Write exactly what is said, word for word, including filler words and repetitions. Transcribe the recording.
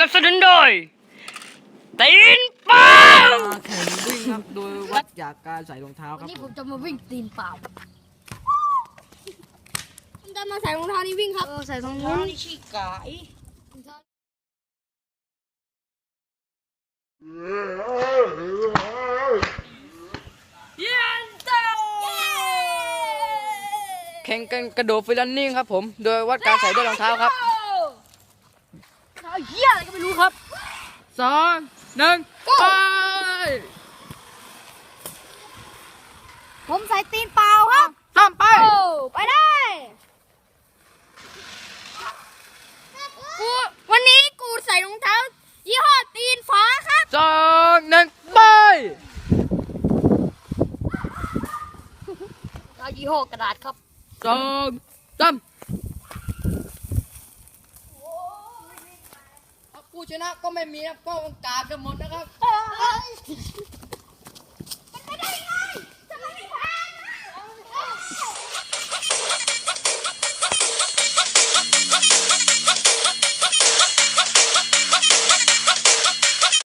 สนุนโดยตีนเปล่าแข่งวิ่งครับโดยวัดจากการใส่รองเท้าควัรันบนี้ผมจะมาวิ่งตีนเปล่าผมจะมาใส่รองเท้านี่วิ่งครับเออใส่รองเท้านี่ขี้กายแข่งกันกระโดดฟรีลันนิ่งครับผมโดยวัดการใส่ด้วยรองเท้าครับเท้าเหี้ยอะไรก็ไม่รู้ครับสองหนึ่งไปผมใส่ตีนเปล่าครับสามไปโอ้ไปได้กูวันนี้กูใส่รองเท้ายี่ห้อตีนฟ้าครับสองหนึ่งไปเอายี่ห้อกระดาษครับสองสามผู้ชนะก็ไม่มีนะก็กากันหมดนะครับ